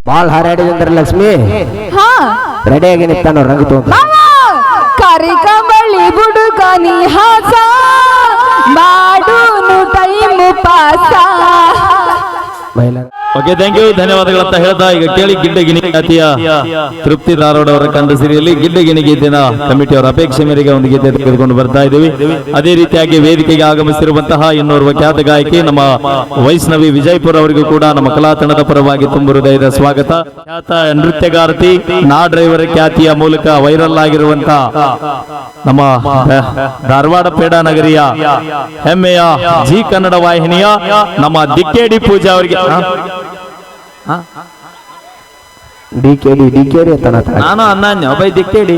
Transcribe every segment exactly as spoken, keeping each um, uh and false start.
Ball ಹಾರಾಡಿದ್ರೆ Lakshmi ಹಾ ರೆಡಿಯಾಗಿ ನಿಂತಾನ ರಂಗ ತಗೊಂಡು ಕರಿಕಂಬಳಿ ಬುಡುಕ ನೀ ಹಾಸ ಮಾಡೂನು time pass. Okay thank you ಧನ್ಯವಾದಗಳಂತ ಹೇಳ್ತಾ ಈಗ ಕೇಳಿ ಗಿಡ್ಡಗಿನಿ ಖ್ಯಾತಿಯ ತೃಪ್ತಿ ಧಾರವಾಡ ಅವರ ಕಂಡ ಸಿರಿಯಲ್ಲಿ ಗಿಡ್ಡಗಿನಿ ಗೀತೆನ ಕಮಿಟಿಯವರ ಅಪೇಕ್ಷೆ ಮೇರೆಗೆ ಒಂದು ಗೀತೆ ತೆಗೆದುಕೊಂಡು ಬರ್ತಾ ಇದ್ದೀವಿ. ಅದೇ ರೀತಿಯಾಗಿ ವೇದಿಕೆಗೆ ಆಗಮಿಸಿರುವಂತಹ ಇನ್ನೋರ್ವ ಖ್ಯಾತ ಗಾಯಕಿ ನಮ್ಮ ವೈಷ್ಣವಿ ವಿಜಯಪುರ ಅವರಿಗೂ ಕೂಡ ನಮ್ಮ ಕಲಾ ತಂಡದ ಪರವಾಗಿ ತುಂಬ ಹೃದಯದ ಸ್ವಾಗತ. ಖ್ಯಾತ ನೃತ್ಯಗಾರ್ತಿ ನಾ ಡ್ರೈವರ್ ಖ್ಯಾತಿಯ ಮೂಲಕ ವೈರಲ್ ಆಗಿರುವಂತಹ ನಮ್ಮ ಧಾರವಾಡ ಪೇಡ ನಗರಿಯ ಹೆಮ್ಮೆಯ ಜಿ ಕನ್ನಡ ವಾಹಿನಿಯ ನಮ್ಮ ದಿಕ್ಕೇಡಿ ಪೂಜಾ ಅವರಿಗೆ ಡಿಕೆಡಿ ಡಿಕೆಡಿ ಅಂತ ನಾನು ಅನ್ನ ಬೈ ದಿಕ್ಕೇಡಿ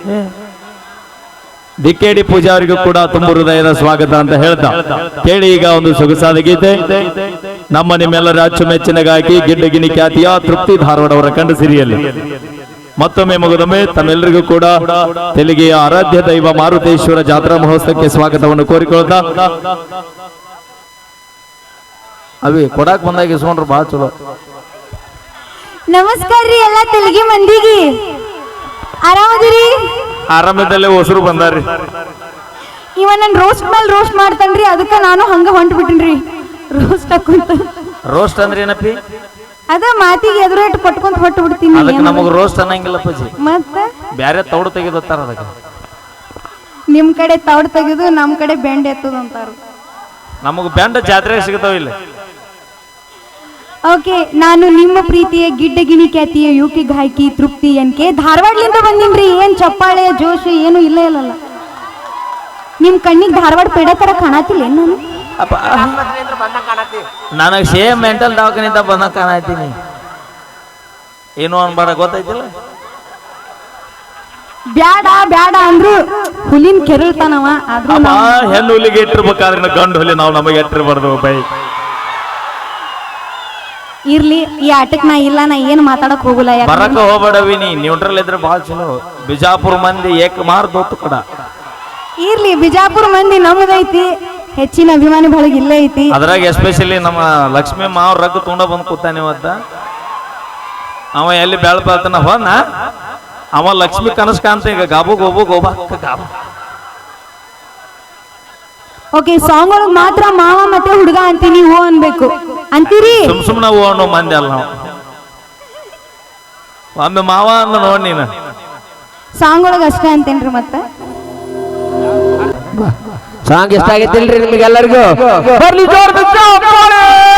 ದಿಕ್ಕೇಡಿ ಪೂಜಾ ಅವರಿಗೂ ಕೂಡ ತುಂಬ ಹೃದಯದ ಸ್ವಾಗತ ಅಂತ ಹೇಳ್ತಾ ಕೇಳಿ ಈಗ ಒಂದು ಸೊಗಸಾದ ಗೀತೆ ನಮ್ಮ ನಿಮ್ಮೆಲ್ಲರ ಅಚ್ಚುಮೆಚ್ಚಿನ ಗಾಯಕಿ ಗಿಡ್ಡಗಿನಿ ಖ್ಯಾತಿಯ ತೃಪ್ತಿ ಧಾರವಾಡ ಅವರ ಕಂಡ ಸಿರಿಯಲ್ಲಿ ಮತ್ತೊಮ್ಮೆ ಮಗದೊಮ್ಮೆ ತಮ್ಮೆಲ್ಲರಿಗೂ ಕೂಡ ತೆಲುಗಿಯ ಆರಾಧ್ಯ ದೈವ ಮಾರುತೇಶ್ವರ ಜಾತ್ರಾ ಮಹೋತ್ಸವಕ್ಕೆ ಸ್ವಾಗತವನ್ನು ಕೋರಿಕೊಳ್ತಾ ಅವಿ ಕೊಡಾಕ್ ಬಂದಾಗ ಇಸ್ಕೊಂಡ್ರು ಬಹಳ ಚಲೋ. ನಮಸ್ಕಾರ ರೀ ಎಲ್ಲ ತೆಲುಗಿ ಮಂದಿಗೆ, ಆರಾಮದಿರಿ? ಆರಾಮದಲ್ಲೇ ಹೊಸರು ಬಂದಾರ್ರಿ. ಇವ ನನ್ ರೋಸ್ಟ್ ಮೇಲೆ ರೋಸ್ಟ್ ಮಾಡ್ತಾನ್ರಿ, ಅದಕ್ಕೆ ನಾನು ಹಂಗ ಹೊಂಟ್ ಬಿಟ್ಟಿನ್ರಿ ರೋಸ್ಟ್ ಹಾಕೊಂತ. ರೋಸ್ಟ್ ಅಂದ್ರೆ ಏನಪ್ಪಿ? ಅದ ಮಾತಿಗೆ ಎದುರು ಇಟ್ಟು ಪಟ್ಕೊಂತ ಹೊಟ್ಟು ಬಿಡ್ತೀನಿ. ಅದಕ್ಕೆ ನಮಗ್ ರೋಸ್ಟ್ ಅನ್ನಂಗಿಲ್ಲ ಪಜಿ, ಮತ್ತೆ ಬ್ಯಾರೆ ತೌಡು ತೆಗೆದುತ್ತಾರ. ಅದಕ್ಕೆ ನಿಮ್ ಕಡೆ ತೌಡ್ ತೆಗೆದು ನಮ್ ಕಡೆ ಬೆಂಡ್ ಎತ್ತದ ಅಂತಾರ. ನಮಗ್ ಬೆಂಡ ಜಾತ್ರೆ ಸಿಗತಾವ ಇಲ್ಲ. ಓಕೆ, ನಾನು ನಿಮ್ಮ ಪ್ರೀತಿಯ ಗಿಡ್ಡಗಿನಿ ಖ್ಯಾತಿಯ ಯುಕಿ ಗಾಯಕಿ ತೃಪ್ತಿ ಎನ್ ಕೆ ಧಾರವಾಡಲಿಂದ ಬಂದಿನ್ರಿ. ಏನ್ ಚಪ್ಪಾಳೆ ಜೋಶ್ ಏನು ಇಲ್ಲ ಇಲ್ಲಲ್ಲ. ನಿಮ್ ಕಣ್ಣಿಗೆ ಧಾರವಾಡ ಪೇಡ ತರ ಕಾಣತಿಲ್ಲ ನಾನು? ನನಗೆ ಸೇಮ್ ಮೆಂಟಲ್ ದವಾಖಾನಿಂದ ಬಂದ ಕಾಣತೀನಿ. ಏನು ಅನ್ಬೇಡ, ಗೊತ್ತೈತಿಲ್ಲ. ಬ್ಯಾಡ ಬ್ಯಾಡ ಅಂದ್ರು ಹುಲಿನ ಕೆರಳ್ತಾನವ. ಆದ್ರೂ ಹೆಣ್ಣು ಹುಲಿಗೆ ಇಟ್ಟಿರ್ಬೇಕಾದ್ರೆ ಗಂಡು ಹುಲಿ ನಾವು ನಮಗೆ ಇಟ್ಟಿರ್ಬಾರ್ದು ಬೈ. ಇರ್ಲಿ, ಈ ಆಟಕ್ ನಾ ಇಲ್ಲ, ನಾ ಏನ್ ಮಾತಾಡಕ್ ಹೋಗಲ್ಲ. ಬರಕ ಹೋಗ್ಬೇಡವಿ, ನೀ ನ್ಯೂಟ್ರಲ್ ಇದ್ರೆ ಬಹಳ ಚಲೋ. ಬಿಜಾಪುರ ಮಂದಿ ಏಕ್ ಮಾರ್ ದೋತು ಕಡ. ಇರ್ಲಿ, ಬಿಜಾಪುರ ಮಂದಿ ನಮ್ದೈತಿ, ಹೆಚ್ಚಿನ ಅಭಿಮಾನಿ ಬಳಗ ಇಲ್ಲೇ ಐತಿ. ಅದ್ರಾಗ ಎಸ್ಪೆಷಲಿ ನಮ್ಮ ಲಕ್ಷ್ಮೀ ಮಾವ್ ರಗ್ ತುಂಡ ಬಂದ್ ಕೂತಾನೆ ಇವತ್ತ. ಅವ ಎಲ್ಲಿ ಬೆಳ ಬರ್ತಾನ ಹೋನ ಅವ ಲಕ್ಷ್ಮಿ ಕನಸ್ ಕಾಂತ ಈಗ ಗಾಬು ಗೋಬು ಗೋಬಾ ಗಾಬು. ಓಕೆ, ಸಾಂಗ್ ಒಳಗ್ ಮಾತ್ರ ಮಾವ ಮತ್ತೆ ಹುಡುಗ ಅಂತೀನಿ, ಹೋ ಅನ್ಬೇಕು ಅಂತೀರಿ. ಸುಮ್ ಸುಮ್ನ ಹೂ ಅನ್ನೋ ಮಂದಿ ಅಲ್ಲ ನಾವು. ಒಮ್ಮೆ ಮಾವ ಅನ್ನ ನೋಡ್ ನೀನು. ಸಾಂಗ್ ಒಳಗ ಅಷ್ಟೇ ಅಂತೇನ್ರಿ. ಮತ್ತೆ ಸಾಂಗ್ ಇಷ್ಟ ಆಗೈತಿಲ್ರಿ ನಿಮಗೆಲ್ಲರಿಗೂ? ಬರ್ಲಿ ಜೋರ್